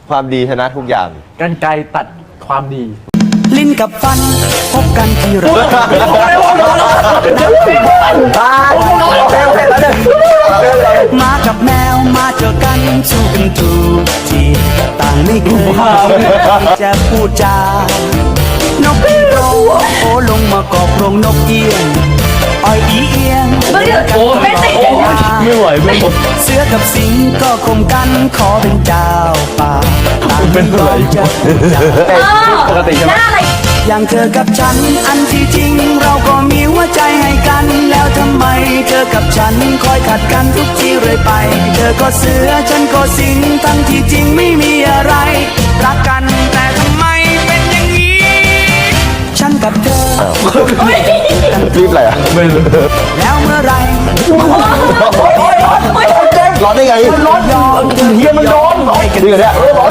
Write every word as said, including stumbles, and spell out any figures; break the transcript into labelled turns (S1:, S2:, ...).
S1: ความดีชนะทุกอย่าง
S2: กันไกรตัดความดี
S3: ลิ้นกับฟันพบกันที่ไรมากับแมวมาเจอกันสู้กันทุกทีต่างไม่เคยจะพูดจานกอีโรงโอลงมากอบโรงนกเอียงอ้อยอีเอียง
S4: โอ้ไม่ติด
S2: ไม่ไหวไม่หมด
S3: เสือกับสิงก็คมกันขอเป็นเจ้าป่าต่างเป็นไรจะพูดจา
S2: ปกติใช่ไหม
S4: หน้าอะไร
S3: อย่างเธอกับฉันอันที่จริงเราก็มีหัวใจให้กันแล้วทำไมเธอกับฉันคอยขัดกันทุกทีเรื่อยไปเธอก็เสือฉันก็สิงทั้งที่จริงไม่มีอะไรรักกันแต่ทำไมเป็นอย่างนี้ฉันกับเธอ
S1: รีบอะไรอ่ะ
S2: ไม่รู้
S3: แล้วเมื่อไร
S1: ร้อนได้ไง
S3: ยอม
S2: เฮียมันโดน
S3: ให้กัน
S1: นี่กันเนี่ย